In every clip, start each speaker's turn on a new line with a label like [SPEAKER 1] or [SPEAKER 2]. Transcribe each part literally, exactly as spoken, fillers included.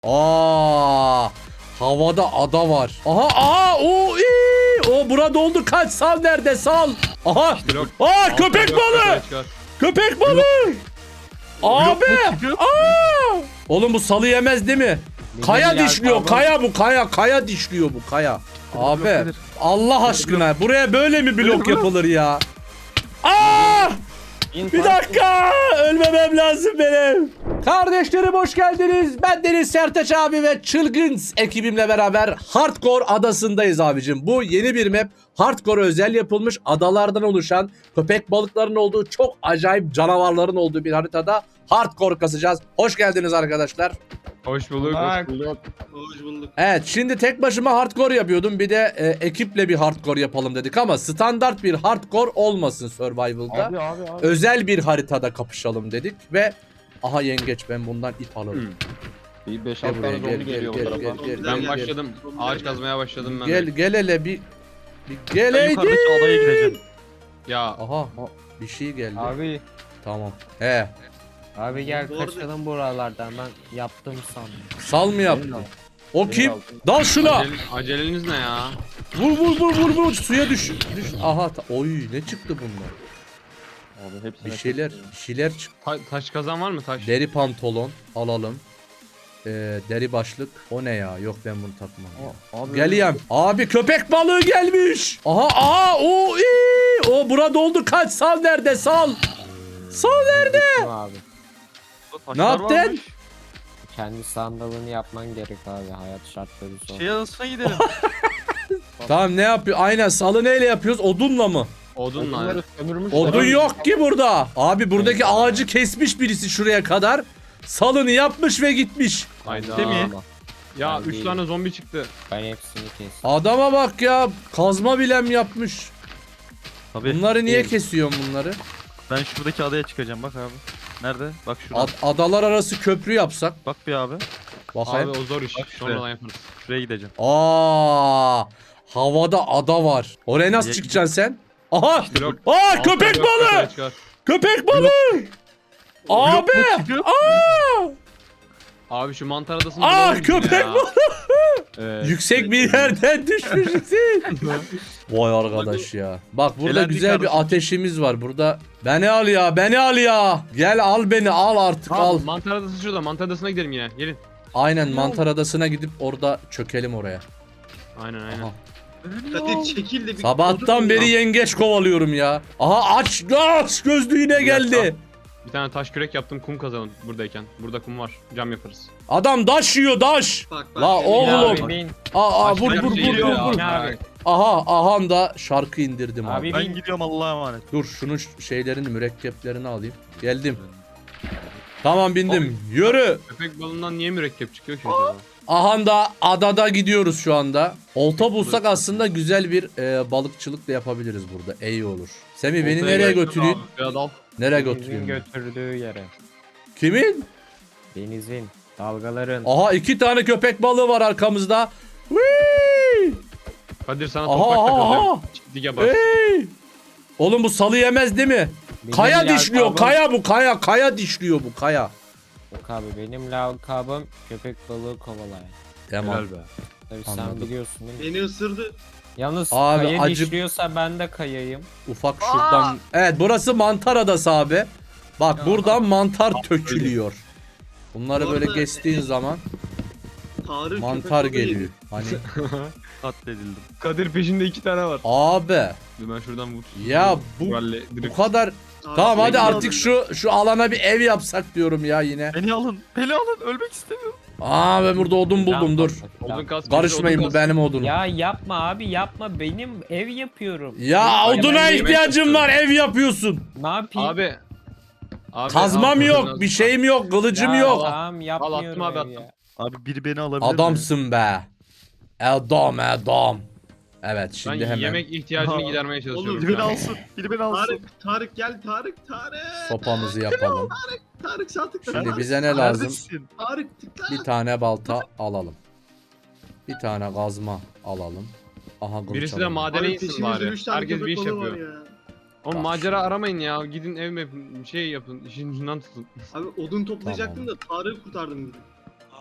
[SPEAKER 1] Aa, havada ada var. Aha, aha, o iyi. O burada oldu. Kaç, sal nerede, sal. Aha.
[SPEAKER 2] Yok.
[SPEAKER 1] Aa, köpek balığı. Köpek balığı. Abi. Aa. Oğlum bu salı yemez değil mi? Kaya dişliyor. Kaya bu, kaya. Kaya dişliyor bu, kaya. Abi. Allah aşkına. Buraya böyle mi blok yapılır ya? Aa! Bir dakika. Ölmemem lazım benim. Kardeşlerim hoş geldiniz. Ben Deniz Sertaç abi ve çılgın ekibimle beraber Hardcore adasındayız abicim. Bu yeni bir map. Hardcore özel yapılmış, adalardan oluşan, köpek balıklarının olduğu, çok acayip canavarların olduğu bir haritada Hardcore kasacağız. Hoş geldiniz arkadaşlar.
[SPEAKER 2] Hoş bulduk.
[SPEAKER 3] Hoş
[SPEAKER 2] bulduk.
[SPEAKER 3] Hoş bulduk.
[SPEAKER 1] Evet, şimdi tek başıma hardcore yapıyordum. Bir de e, ekiple bir hardcore yapalım dedik ama standart bir hardcore olmasın survival'da.
[SPEAKER 3] Abi abi abi.
[SPEAKER 1] Özel bir haritada kapışalım dedik ve aha yengeç, ben bundan ip alırım.
[SPEAKER 2] Hmm.
[SPEAKER 3] Bir beş
[SPEAKER 1] Gel
[SPEAKER 3] altı
[SPEAKER 1] buraya,
[SPEAKER 3] tane
[SPEAKER 1] gel,
[SPEAKER 3] zombi
[SPEAKER 1] gel,
[SPEAKER 3] geliyor bu
[SPEAKER 1] gel,
[SPEAKER 3] tarafa.
[SPEAKER 1] gel, gel,
[SPEAKER 2] Ben
[SPEAKER 1] gel,
[SPEAKER 2] başladım. Ağaç kazmaya başladım ben.
[SPEAKER 1] Gel
[SPEAKER 2] de.
[SPEAKER 1] gel hele bir, bir
[SPEAKER 4] Ben
[SPEAKER 1] geleydi.
[SPEAKER 4] yukarıdaki adaya gideceğim.
[SPEAKER 2] Ya
[SPEAKER 1] Aha bir şey geldi.
[SPEAKER 5] Abi,
[SPEAKER 1] Tamam. He.
[SPEAKER 5] abi gel
[SPEAKER 3] Bu arada-
[SPEAKER 5] kaçalım buralardan, ben yaptım sandım.
[SPEAKER 1] Sal mı yaptın? O kim?
[SPEAKER 3] altın.
[SPEAKER 1] Dal şuna.
[SPEAKER 2] acele, aceleniz ne ya?
[SPEAKER 1] Vur vur vur vur vur. Suya düş. Düş. Aha. ta- Oy, ne çıktı bundan?
[SPEAKER 3] Abi hepsine
[SPEAKER 1] Bir şeyler, bir şeyler çıktı.
[SPEAKER 2] Ta- taş kazan var mı taş?
[SPEAKER 1] Deri pantolon alalım. Ee, deri başlık. O ne ya? Yok, ben bunu takmam. ya.
[SPEAKER 3] Abi,
[SPEAKER 1] Geliyem. Abi köpek balığı gelmiş. Aha, aha, o iyi. O burada oldu. Kaç, sal nerede, sal. Sal nerede?
[SPEAKER 5] Gittim abi.
[SPEAKER 1] Ne yaptın?
[SPEAKER 5] Kendi sandalını yapman gerek abi, hayat şartları zor.
[SPEAKER 4] Şey adasına gidelim.
[SPEAKER 1] Tamam, ne yapıyor? Aynen, salı neyle yapıyoruz? Odunla mı?
[SPEAKER 2] Odunla.
[SPEAKER 3] Odunları sömürmüş.
[SPEAKER 1] Odun yok ki burada. Abi buradaki ağacı kesmiş birisi şuraya kadar. Salını yapmış ve gitmiş.
[SPEAKER 2] Hayda.
[SPEAKER 4] Değil mi?
[SPEAKER 5] Ama
[SPEAKER 2] Ya
[SPEAKER 5] Ben
[SPEAKER 2] üç
[SPEAKER 5] değilim.
[SPEAKER 2] tane zombi çıktı.
[SPEAKER 5] ben hepsini kestim.
[SPEAKER 1] Adama bak ya. Kazma bilem yapmış.
[SPEAKER 4] Tabii.
[SPEAKER 1] Bunları niye kesiyorsun bunları?
[SPEAKER 4] Ben şuradaki adaya çıkacağım bak abi. Nerede? Bak şurada.
[SPEAKER 1] Ad- adalar arası köprü yapsak.
[SPEAKER 4] Bak bir abi.
[SPEAKER 1] Bakayım.
[SPEAKER 2] Abi o zor iş.
[SPEAKER 4] Bak şuraya.
[SPEAKER 2] Sonradan yaparız.
[SPEAKER 4] Şuraya gideceğim.
[SPEAKER 1] Aa, havada ada var. Oraya nasıl
[SPEAKER 4] Ya-
[SPEAKER 1] çıkacaksın sen? Aha!
[SPEAKER 2] Yok.
[SPEAKER 1] Aa,
[SPEAKER 2] Altı
[SPEAKER 1] köpek
[SPEAKER 2] yok,
[SPEAKER 1] balığı!
[SPEAKER 2] yukarı çıkar.
[SPEAKER 1] Köpek balığı! Abi!
[SPEAKER 4] çıkıyor.
[SPEAKER 1] Aa!
[SPEAKER 2] Abi şu mantar adasını
[SPEAKER 1] Ah,
[SPEAKER 2] bulalım
[SPEAKER 1] köpek
[SPEAKER 2] ya.
[SPEAKER 1] balığı!
[SPEAKER 2] Evet.
[SPEAKER 1] Yüksek bir yerden düşmüşsün. Vay arkadaş ya. Bak burada
[SPEAKER 4] Elendik
[SPEAKER 1] güzel bir
[SPEAKER 4] kardeşim.
[SPEAKER 1] ateşimiz var. Burada beni al ya, beni al ya. Gel al beni, al artık, al.
[SPEAKER 2] Al. Mantar adası şurada. Mantar adasına gidelim yine. Gelin.
[SPEAKER 1] Aynen, mantar adasına gidip orada çökelim oraya.
[SPEAKER 2] Aynen aynen.
[SPEAKER 1] Aha.
[SPEAKER 3] Kadir çekil de bir
[SPEAKER 1] Sabahtan
[SPEAKER 3] odun
[SPEAKER 1] beri
[SPEAKER 3] bul.
[SPEAKER 1] yengeç kovalıyorum ya. Aha, aç aç gözlü yine geldi.
[SPEAKER 2] Bir tane taş kürek yaptım, kum kazalım buradayken. Burada kum var. Cam yaparız.
[SPEAKER 1] Adam daş yiyor, daş.
[SPEAKER 3] Bak bak.
[SPEAKER 1] La
[SPEAKER 3] seni-
[SPEAKER 1] oğlum.
[SPEAKER 5] Ya
[SPEAKER 1] Oğlum.
[SPEAKER 5] abi bin.
[SPEAKER 1] Aa, aa, vur
[SPEAKER 2] Başka
[SPEAKER 1] vur
[SPEAKER 2] bir şey
[SPEAKER 1] vur
[SPEAKER 2] yok
[SPEAKER 1] vur
[SPEAKER 2] ya.
[SPEAKER 1] vur.
[SPEAKER 5] Ne abi?
[SPEAKER 1] Aha, aha da şarkı indirdim abi.
[SPEAKER 5] Abi
[SPEAKER 4] Ben
[SPEAKER 5] bin.
[SPEAKER 4] gidiyorum Allah'a emanet.
[SPEAKER 1] Dur, şunun ş- şeylerini, mürekkeplerini alayım. Geldim. Tamam, bindim. Yürü.
[SPEAKER 2] Köpek balığından niye mürekkep çıkıyor ki acaba?
[SPEAKER 1] Aha da adada gidiyoruz şu anda. Olta bulsak aslında güzel bir e, balıkçılık da yapabiliriz burada. İyi olur. Semih, beni
[SPEAKER 2] Oltaya
[SPEAKER 1] nereye
[SPEAKER 2] gel-
[SPEAKER 1] götüreyim?
[SPEAKER 2] Ya dal.
[SPEAKER 1] Nereye
[SPEAKER 5] Denizin
[SPEAKER 1] götüreyim?
[SPEAKER 5] götürdüğü yere.
[SPEAKER 1] Kimin?
[SPEAKER 5] Denizin, dalgaların.
[SPEAKER 1] Aha, iki tane köpek balığı var arkamızda. Whee!
[SPEAKER 2] Kadir sana
[SPEAKER 1] Aha,
[SPEAKER 2] toprak
[SPEAKER 1] aha,
[SPEAKER 2] takılıyor.
[SPEAKER 1] aha.
[SPEAKER 2] Çiftlik yapar.
[SPEAKER 1] Hey! Oğlum bu salı yemez değil mi?
[SPEAKER 5] Benim
[SPEAKER 1] Kaya dişliyor,
[SPEAKER 5] lakabım-
[SPEAKER 1] kaya bu, kaya, kaya dişliyor bu, kaya.
[SPEAKER 5] Yok abi, benim lakabım köpek balığı kovalayan.
[SPEAKER 1] Tamam.
[SPEAKER 2] Helal be.
[SPEAKER 5] Tabii
[SPEAKER 1] Anladım.
[SPEAKER 5] sen biliyorsun değil mi?
[SPEAKER 3] Beni ısırdı.
[SPEAKER 5] Yalnız
[SPEAKER 1] Abi,
[SPEAKER 5] kaya
[SPEAKER 1] acı-
[SPEAKER 5] dişliyorsa ben de kayayım.
[SPEAKER 1] Ufak şuradan. Evet, burası mantar adası abi. Bak,
[SPEAKER 5] Ya.
[SPEAKER 1] buradan mantar tökülüyor. Bunları
[SPEAKER 3] Bu
[SPEAKER 1] böyle
[SPEAKER 3] arada-
[SPEAKER 1] geçtiğin zaman
[SPEAKER 3] Tarık
[SPEAKER 1] mantar
[SPEAKER 3] köpek balığı
[SPEAKER 1] geliyor.
[SPEAKER 3] yedi.
[SPEAKER 1] Hani
[SPEAKER 4] Katledildim.
[SPEAKER 2] Kadir peşinde iki tane var.
[SPEAKER 1] abi
[SPEAKER 2] Dur ben şuradan vur.
[SPEAKER 1] ya bu
[SPEAKER 2] Valle,
[SPEAKER 1] bu
[SPEAKER 2] direkt.
[SPEAKER 1] kadar.
[SPEAKER 3] Tarık
[SPEAKER 1] Tamam, hadi
[SPEAKER 3] köpek
[SPEAKER 1] artık
[SPEAKER 3] balığı.
[SPEAKER 1] şu şu alana bir ev yapsak diyorum ya yine.
[SPEAKER 4] Beni alın. Beni alın. Ölmek istemiyorum.
[SPEAKER 1] Aa, ben burada odun buldum, dur.
[SPEAKER 2] Odun kas.
[SPEAKER 1] Karışmayın,
[SPEAKER 2] odun
[SPEAKER 1] bu
[SPEAKER 2] kas.
[SPEAKER 1] benim odunum. Ya,
[SPEAKER 5] Ya yapma abi, yapma, benim ev yapıyorum.
[SPEAKER 1] oduna
[SPEAKER 2] ben yemek
[SPEAKER 1] ihtiyacım var, ev yapıyorsun.
[SPEAKER 5] Ne yapayım?
[SPEAKER 2] Abi. Abi
[SPEAKER 1] Kazmam
[SPEAKER 2] al,
[SPEAKER 1] yok,
[SPEAKER 2] odun
[SPEAKER 1] bir
[SPEAKER 2] al.
[SPEAKER 1] şeyim yok, kılıcım
[SPEAKER 5] Ya
[SPEAKER 1] yok.
[SPEAKER 5] Tamam, yapmıyorum
[SPEAKER 2] abi,
[SPEAKER 5] ev
[SPEAKER 2] attım.
[SPEAKER 5] ya.
[SPEAKER 4] Abi biri beni alabilir mi?
[SPEAKER 1] Adamsın be. Adam, adam. Evet,
[SPEAKER 2] Ben
[SPEAKER 1] şimdi hemen
[SPEAKER 2] yemek ihtiyacını
[SPEAKER 4] Aha.
[SPEAKER 2] gidermeye çalışıyorum.
[SPEAKER 3] Oğlum,
[SPEAKER 4] Biri beni
[SPEAKER 2] şu an.
[SPEAKER 4] alsın. Biri beni alsın.
[SPEAKER 3] Tarık, Tarık gel Tarık, Tarık.
[SPEAKER 1] sopamızı yapalım.
[SPEAKER 3] Tarık sağ tıkla.
[SPEAKER 1] Şimdi
[SPEAKER 3] Tarık.
[SPEAKER 1] bize ne lazım?
[SPEAKER 4] Neredesin?
[SPEAKER 3] Tarık tıkla.
[SPEAKER 1] Bir tane balta alalım. Bir tane kazma alalım. Aha, kılıç
[SPEAKER 2] Birisi de
[SPEAKER 1] alalım.
[SPEAKER 2] madene
[SPEAKER 3] Tarık
[SPEAKER 2] insin
[SPEAKER 3] peşimizde
[SPEAKER 2] bari.
[SPEAKER 3] üç tane
[SPEAKER 2] Herkes bir
[SPEAKER 3] köpek
[SPEAKER 2] iş
[SPEAKER 3] balığı var
[SPEAKER 2] yapıyor.
[SPEAKER 3] ya.
[SPEAKER 2] Oğlum
[SPEAKER 1] Bak
[SPEAKER 2] macera aramayın ya. Gidin ev yapın. Şey yapın. İşin ucundan tutun.
[SPEAKER 3] Abi odun toplayacaktım da Tarık'ı kurtardım dedim.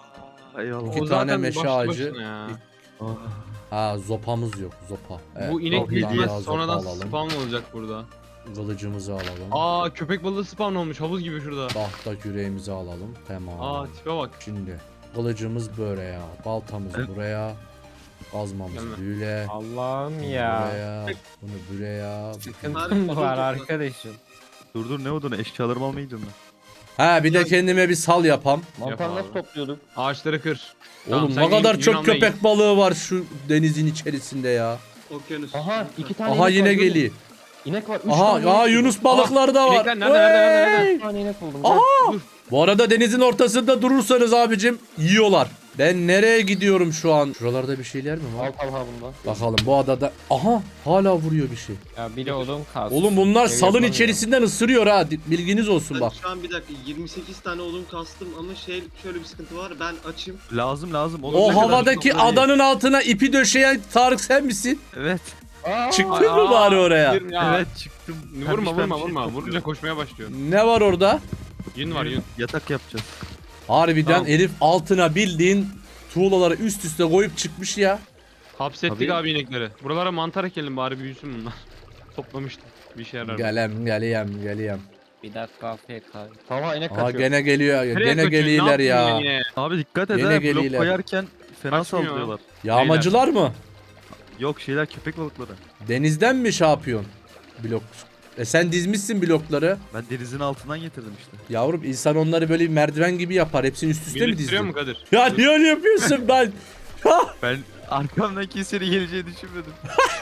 [SPEAKER 4] Eyvallah.
[SPEAKER 1] İki
[SPEAKER 2] O
[SPEAKER 1] tane
[SPEAKER 2] zaten
[SPEAKER 1] meşe
[SPEAKER 2] başlı
[SPEAKER 1] ağacı.
[SPEAKER 2] başına ya.
[SPEAKER 4] Ah.
[SPEAKER 1] Ha zopamız yok zopa. Evet,
[SPEAKER 2] Bu inek
[SPEAKER 1] bir
[SPEAKER 2] büyük
[SPEAKER 1] tane
[SPEAKER 2] ihtimal
[SPEAKER 1] daha zopa
[SPEAKER 2] sonradan
[SPEAKER 1] alalım.
[SPEAKER 2] spawn olacak burada.
[SPEAKER 1] Kılıcımızı alalım.
[SPEAKER 2] Aa köpek balığı spawn olmuş havuz gibi şurada.
[SPEAKER 1] Tahta küreğimizi alalım. Tamam.
[SPEAKER 2] Aa tipe bak.
[SPEAKER 1] Şimdi kılıcımız buraya. Baltamız
[SPEAKER 4] Evet.
[SPEAKER 1] buraya. Kazmamız
[SPEAKER 2] Gelme.
[SPEAKER 1] böyle.
[SPEAKER 5] Allah'ım
[SPEAKER 1] Bunu
[SPEAKER 5] ya.
[SPEAKER 1] buraya. Bunu buraya.
[SPEAKER 5] Sıkıntım var arkadaşım.
[SPEAKER 4] Dur dur ne odunu eşyalarımı almaya gidiyorum ben.
[SPEAKER 1] Ha bir de kendime bir sal yapam.
[SPEAKER 2] Mantar
[SPEAKER 6] Mantar
[SPEAKER 2] nasıl
[SPEAKER 6] nasıl topluyorduk?
[SPEAKER 2] Ağaçları kır.
[SPEAKER 1] Oğlum
[SPEAKER 2] Tamam,
[SPEAKER 1] ne
[SPEAKER 2] sen
[SPEAKER 1] kadar
[SPEAKER 2] yün-
[SPEAKER 1] çok
[SPEAKER 2] yün almaya
[SPEAKER 1] köpek
[SPEAKER 2] git.
[SPEAKER 1] balığı var şu denizin içerisinde ya.
[SPEAKER 3] Okyanus.
[SPEAKER 6] Aha iki tane
[SPEAKER 1] Aha
[SPEAKER 6] inek
[SPEAKER 1] yine
[SPEAKER 6] var, görüyor
[SPEAKER 1] geliyor.
[SPEAKER 6] musun? İnek var. Üç
[SPEAKER 1] Aha
[SPEAKER 6] tane
[SPEAKER 1] ya
[SPEAKER 6] inek
[SPEAKER 1] Yunus balıkları da var.
[SPEAKER 2] inekler nerede, nerede, nerede, nerede?
[SPEAKER 1] Vey!
[SPEAKER 6] Bir tane inek buldum.
[SPEAKER 1] Aha! Bu arada denizin ortasında durursanız abicim yiyorlar. Ben nereye gidiyorum şu an? Şuralarda bir şeyler mi var?
[SPEAKER 6] Al al ha bunda.
[SPEAKER 1] Bakalım bu adada. Aha hala vuruyor bir şey.
[SPEAKER 5] Ya bir de odun kalsın.
[SPEAKER 1] Oğlum bunlar
[SPEAKER 5] Ev
[SPEAKER 1] salın
[SPEAKER 5] yapamıyorum.
[SPEAKER 1] içerisinden ısırıyor ha. Bilginiz olsun
[SPEAKER 3] Ben
[SPEAKER 1] bak.
[SPEAKER 3] şu an bir dakika yirmi sekiz tane odun kastım ama şey şöyle bir sıkıntı var. Ben açım.
[SPEAKER 4] Lazım lazım. Oğlum,
[SPEAKER 1] O
[SPEAKER 4] ne kadar
[SPEAKER 1] havadaki
[SPEAKER 4] çok var.
[SPEAKER 1] adanın altına ipi döşeyen Tarık sen misin?
[SPEAKER 4] Evet.
[SPEAKER 6] Aa,
[SPEAKER 1] Çıktın mı
[SPEAKER 2] Aa,
[SPEAKER 1] bari oraya?
[SPEAKER 2] gir ya.
[SPEAKER 4] Evet çıktım.
[SPEAKER 2] Vurma
[SPEAKER 4] Pembiş
[SPEAKER 2] vurma
[SPEAKER 4] pembiş
[SPEAKER 2] vurma.
[SPEAKER 4] topluyorum.
[SPEAKER 2] Vurunca koşmaya başlıyor.
[SPEAKER 1] Ne var orada?
[SPEAKER 2] Yün var yün.
[SPEAKER 4] Yatak yapacağız.
[SPEAKER 1] Harbiden
[SPEAKER 2] Tamam.
[SPEAKER 1] herif altına bildiğin tuğlaları üst üste koyup çıkmış ya.
[SPEAKER 2] Hapsettik
[SPEAKER 4] Tabii.
[SPEAKER 2] abi inekleri. Buralara mantar ekelim bari büyüsün bunlar. Toplamıştım. Bir şey yarar.
[SPEAKER 1] Gelem geleyem geleyem.
[SPEAKER 5] Bir dakika afiyet abi.
[SPEAKER 6] Tamam inek
[SPEAKER 1] Aha
[SPEAKER 6] kaçıyor.
[SPEAKER 1] gene geliyor.
[SPEAKER 2] Nereye
[SPEAKER 1] Gene
[SPEAKER 2] kaçıyorsun? Ne
[SPEAKER 1] geliyorlar
[SPEAKER 2] yaptın
[SPEAKER 1] ya.
[SPEAKER 2] yine?
[SPEAKER 4] Abi dikkat et
[SPEAKER 1] Yine
[SPEAKER 4] ha. Blok
[SPEAKER 1] geliyorlar.
[SPEAKER 4] koyarken fena
[SPEAKER 2] Kaçmıyor.
[SPEAKER 4] saldırıyorlar.
[SPEAKER 1] Yağmacılar mı?
[SPEAKER 4] Yok şeyler köpek balıkları.
[SPEAKER 1] Denizden mi şey yapıyorsun? Blok. E sen dizmişsin blokları.
[SPEAKER 4] Ben denizin altından getirdim işte.
[SPEAKER 1] Yavrum insan onları böyle bir merdiven gibi yapar. Hepsini üst üste mi
[SPEAKER 2] Birleştiriyor
[SPEAKER 1] dizdin?
[SPEAKER 2] mu Kadir?
[SPEAKER 1] Ya niye öyle yapıyorsun ben?
[SPEAKER 4] Ben arkamdan kimsenin geleceğini düşünmedim.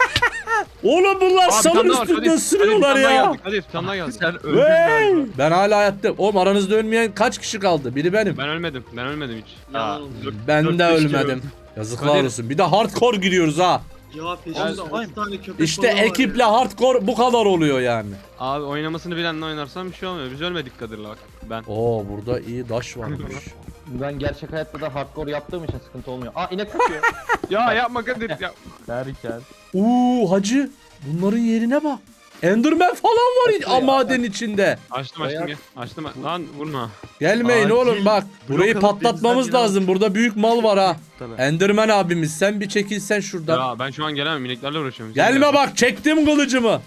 [SPEAKER 1] Oğlum bunlar
[SPEAKER 2] Abi, bir
[SPEAKER 1] salın
[SPEAKER 2] tane daha var,
[SPEAKER 1] üstünde
[SPEAKER 2] Kadir.
[SPEAKER 1] ısırıyorlar
[SPEAKER 2] Kadir, bir tane daha
[SPEAKER 1] ya.
[SPEAKER 2] geldi, Kadir bir tane daha geldi.
[SPEAKER 4] Sen öldün
[SPEAKER 1] Hey!
[SPEAKER 4] galiba.
[SPEAKER 1] Ben hala hayattayım. Oğlum aranızda ölmeyen kaç kişi kaldı? Biri benim.
[SPEAKER 2] Ben ölmedim. Ben ölmedim hiç.
[SPEAKER 3] Yalan oldu.
[SPEAKER 1] Ben
[SPEAKER 2] dört
[SPEAKER 1] de
[SPEAKER 2] beş kere
[SPEAKER 1] ölmedim.
[SPEAKER 2] öldüm.
[SPEAKER 1] Yazıklar
[SPEAKER 2] Kadir.
[SPEAKER 1] olsun. Bir de hardcore giriyoruz ha.
[SPEAKER 3] Ya peşimde altı tane köpek
[SPEAKER 1] İşte
[SPEAKER 3] balığı var
[SPEAKER 1] ekiple
[SPEAKER 3] ya.
[SPEAKER 1] hardcore bu kadar oluyor yani.
[SPEAKER 2] Abi oynamasını bilenle oynarsan bir şey olmuyor. Biz ölmedik Kadir'le bak. Ben.
[SPEAKER 1] Oo burada iyi taş varmış.
[SPEAKER 6] Ben gerçek hayatta da hardcore yaptığım için sıkıntı olmuyor. Aa inek kaçıyor.
[SPEAKER 2] Ya yapma Kadir ya.
[SPEAKER 6] Derken.
[SPEAKER 1] Uuu hacı bunların yerine bak. Enderman falan var
[SPEAKER 6] Açıyor ya.
[SPEAKER 1] maden içinde.
[SPEAKER 2] Açtım açtım gel. Açtım. Lan vurma.
[SPEAKER 1] Gelmeyin
[SPEAKER 4] Acil
[SPEAKER 1] oğlum bak. Burayı
[SPEAKER 4] blok alıp
[SPEAKER 1] patlatmamız
[SPEAKER 4] denizden
[SPEAKER 1] lazım. Burada büyük mal var ha.
[SPEAKER 4] Tabii.
[SPEAKER 1] Enderman abimiz sen bir çekilsen şuradan.
[SPEAKER 2] Ya ben şu an gelemem. İneklerle uğraşıyorum.
[SPEAKER 1] Gelme bak çektim kılıcımı.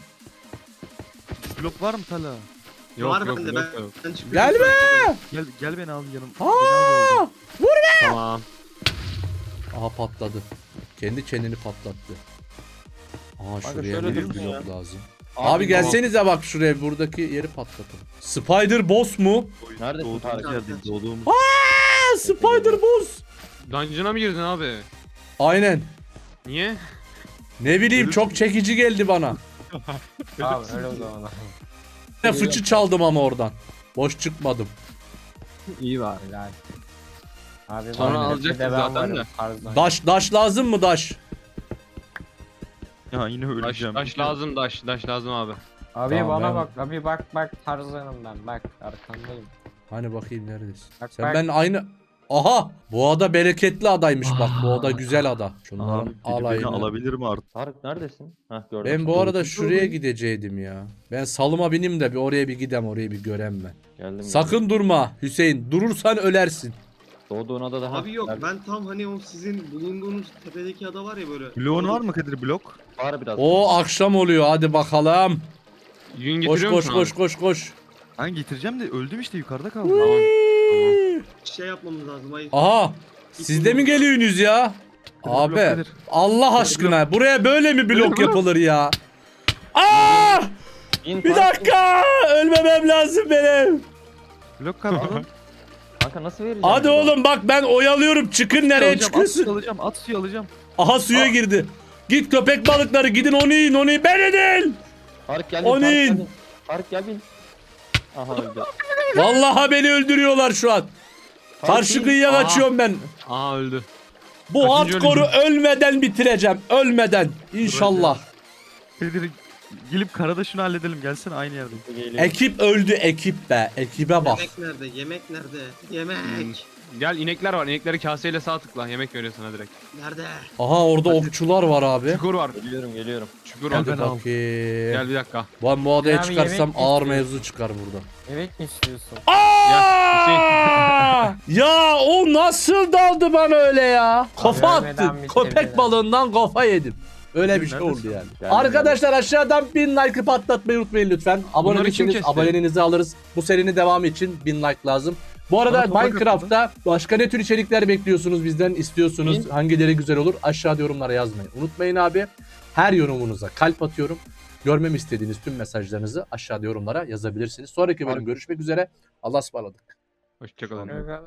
[SPEAKER 4] Blok var mı Tala?
[SPEAKER 2] Yok
[SPEAKER 3] Var
[SPEAKER 2] yok
[SPEAKER 3] bende,
[SPEAKER 2] yok.
[SPEAKER 3] ben-
[SPEAKER 2] yok.
[SPEAKER 3] Ben çıkıyorum.
[SPEAKER 1] Gelme.
[SPEAKER 4] Gel gel beni al yanım.
[SPEAKER 1] Aa!
[SPEAKER 4] Beni al orada.
[SPEAKER 2] Tamam.
[SPEAKER 1] Aha patladı. Kendi kendini patlattı. Aha
[SPEAKER 6] Kanka
[SPEAKER 1] şuraya
[SPEAKER 6] şöyle
[SPEAKER 1] bir
[SPEAKER 6] dursun
[SPEAKER 1] blok
[SPEAKER 6] ya.
[SPEAKER 1] lazım. Abi, gelsenize bak şuraya buradaki yeri patlatın. Spider boss mu?
[SPEAKER 6] Neredesin
[SPEAKER 4] Doğduğumuz
[SPEAKER 6] Tarık?
[SPEAKER 4] yerdeyim doğduğumuz.
[SPEAKER 1] Aa, Spider boss.
[SPEAKER 2] Dungeon'a mı girdin abi?
[SPEAKER 1] Aynen.
[SPEAKER 2] Niye?
[SPEAKER 1] Ne bileyim çok çekici geldi bana.
[SPEAKER 5] Abi öyle o zaman.
[SPEAKER 1] Ne fıçı çaldım ama oradan. Boş çıkmadım.
[SPEAKER 5] İyi var. Helal. Abi
[SPEAKER 2] Sonra
[SPEAKER 5] bana
[SPEAKER 2] alacaktın
[SPEAKER 5] bir de ben
[SPEAKER 2] zaten
[SPEAKER 5] varım
[SPEAKER 2] de.
[SPEAKER 5] tarzdan.
[SPEAKER 1] Daş daş lazım mı daş?
[SPEAKER 4] Ya yine
[SPEAKER 2] Daş,
[SPEAKER 4] öleceğim.
[SPEAKER 2] daş lazım daş. Daş lazım abi.
[SPEAKER 5] Abi
[SPEAKER 1] Tamam,
[SPEAKER 5] bana
[SPEAKER 1] ben-
[SPEAKER 5] bak. Abi bak bak tarzanım ben. Bak arkandayım.
[SPEAKER 1] Hani bakayım neredesin?
[SPEAKER 5] Bak,
[SPEAKER 1] Sen
[SPEAKER 5] bak.
[SPEAKER 1] ben aynı... Aha! Bu ada bereketli adaymış bak. Bu ada güzel ada. Şunların
[SPEAKER 4] Abi biri beni
[SPEAKER 1] alayını.
[SPEAKER 4] alabilir mi artık?
[SPEAKER 6] Tarık neredesin? Hah gördüm.
[SPEAKER 1] Ben bu arada
[SPEAKER 4] Doğru.
[SPEAKER 1] şuraya gideceydim ya. Ben salıma bineyim de bir oraya bir gidem orayı bir görem ben.
[SPEAKER 6] Geldim.
[SPEAKER 1] Sakın durma Hüseyin. Durursan ölersin.
[SPEAKER 6] Doğduğun ada daha.
[SPEAKER 3] Abi yok ben tam hani o sizin bulunduğunuz tepedeki ada var ya böyle.
[SPEAKER 4] Bloğun var mı Kadir blok?
[SPEAKER 6] Var biraz.
[SPEAKER 1] O akşam oluyor hadi bakalım.
[SPEAKER 2] Yün
[SPEAKER 1] Koş
[SPEAKER 2] getiriyor
[SPEAKER 1] koş
[SPEAKER 2] musun
[SPEAKER 1] koş
[SPEAKER 2] abi?
[SPEAKER 1] koş koş.
[SPEAKER 4] Ben getireceğim de öldüm işte yukarıda kaldım.
[SPEAKER 2] Tamam.
[SPEAKER 3] Şey yapmamız lazım hayır.
[SPEAKER 1] Aha! Siz de mi geliyorsunuz ya?
[SPEAKER 4] Blok
[SPEAKER 1] Abi
[SPEAKER 4] Kadir.
[SPEAKER 1] Allah aşkına buraya böyle mi blok yapılır ya? Aa!
[SPEAKER 6] İn,
[SPEAKER 1] Bir
[SPEAKER 6] Tarık,
[SPEAKER 1] dakika! Ölmemem lazım benim.
[SPEAKER 4] Blok kaldı.
[SPEAKER 6] in. Kanka nasıl vereceğim?
[SPEAKER 1] Hadi
[SPEAKER 6] bunu?
[SPEAKER 1] oğlum bak ben oyalıyorum. Çıkın nereye
[SPEAKER 4] Alacağım, at
[SPEAKER 1] çıkıyorsun?
[SPEAKER 4] suyu alacağım, at suyu alacağım.
[SPEAKER 1] Aha suya girdi. Git köpek balıkları gidin onu yiyin onu yiyin. Ben edin.
[SPEAKER 6] Tarık gel.
[SPEAKER 1] O
[SPEAKER 6] bin, Tarık,
[SPEAKER 1] neyin?
[SPEAKER 6] gel bin. Tarık gel bin. Aha öldü.
[SPEAKER 1] Vallahi beni öldürüyorlar şu an. Karşı
[SPEAKER 6] Tarık,
[SPEAKER 1] kıyıya
[SPEAKER 2] Aa.
[SPEAKER 1] kaçıyorum ben.
[SPEAKER 2] Aa öldü.
[SPEAKER 1] Bu
[SPEAKER 2] Kaçıncı
[SPEAKER 1] hardcore'u ölmeden bitireceğim. Ölmeden. İnşallah.
[SPEAKER 4] Kadir gelip karada şunu halledelim gelsene aynı yerde.
[SPEAKER 6] Geliyor.
[SPEAKER 1] Ekip öldü ekip be. Ekibe bak.
[SPEAKER 3] Yemek nerede? Yemek nerede? Yemek.
[SPEAKER 2] Gel inekler var. İnekleri kaseyle sağ tıkla. Yemek veriyor sana direkt.
[SPEAKER 3] Nerede?
[SPEAKER 1] Aha orada okçular var abi.
[SPEAKER 2] Çukur var.
[SPEAKER 6] Geliyorum geliyorum.
[SPEAKER 2] Çukur var.
[SPEAKER 1] Hadi
[SPEAKER 4] ben al.
[SPEAKER 1] bakayım.
[SPEAKER 2] Gel bir dakika.
[SPEAKER 1] Ben bu adaya
[SPEAKER 5] Abi
[SPEAKER 1] çıkarsam
[SPEAKER 5] yemek
[SPEAKER 1] ağır
[SPEAKER 5] istiyor.
[SPEAKER 1] mevzu çıkar burada.
[SPEAKER 5] Evet mi istiyorsun?
[SPEAKER 1] Aa! Ya o nasıl daldı bana öyle ya? Kafa
[SPEAKER 5] Görmeden
[SPEAKER 1] attı.
[SPEAKER 5] bitirdi
[SPEAKER 1] Köpek
[SPEAKER 5] ya.
[SPEAKER 1] balığından kafa yedim. Öyle bir şey
[SPEAKER 4] Neredesin?
[SPEAKER 1] oldu yani.
[SPEAKER 6] Geldim,
[SPEAKER 1] Arkadaşlar aşağıdan bin like patlatmayı unutmayın lütfen. Abone
[SPEAKER 2] Bunları kim
[SPEAKER 1] değilseniz
[SPEAKER 2] kesti?
[SPEAKER 1] aboneliğinizi alırız. Bu serinin devamı için bin like lazım. Bu arada
[SPEAKER 4] Bana toprak
[SPEAKER 1] Minecraft'ta başka ne tür içerikler bekliyorsunuz bizden, istiyorsunuz?
[SPEAKER 5] Bin.
[SPEAKER 1] Hangileri güzel olur? Aşağıda yorumlara yazmayı unutmayın abi. Her yorumunuza kalp atıyorum. Görmemi istediğiniz tüm mesajlarınızı aşağıda yorumlara yazabilirsiniz. Sonraki bölüm görüşmek üzere. Allah'a ısmarladık.
[SPEAKER 2] Hoşçakalın.
[SPEAKER 5] Evet.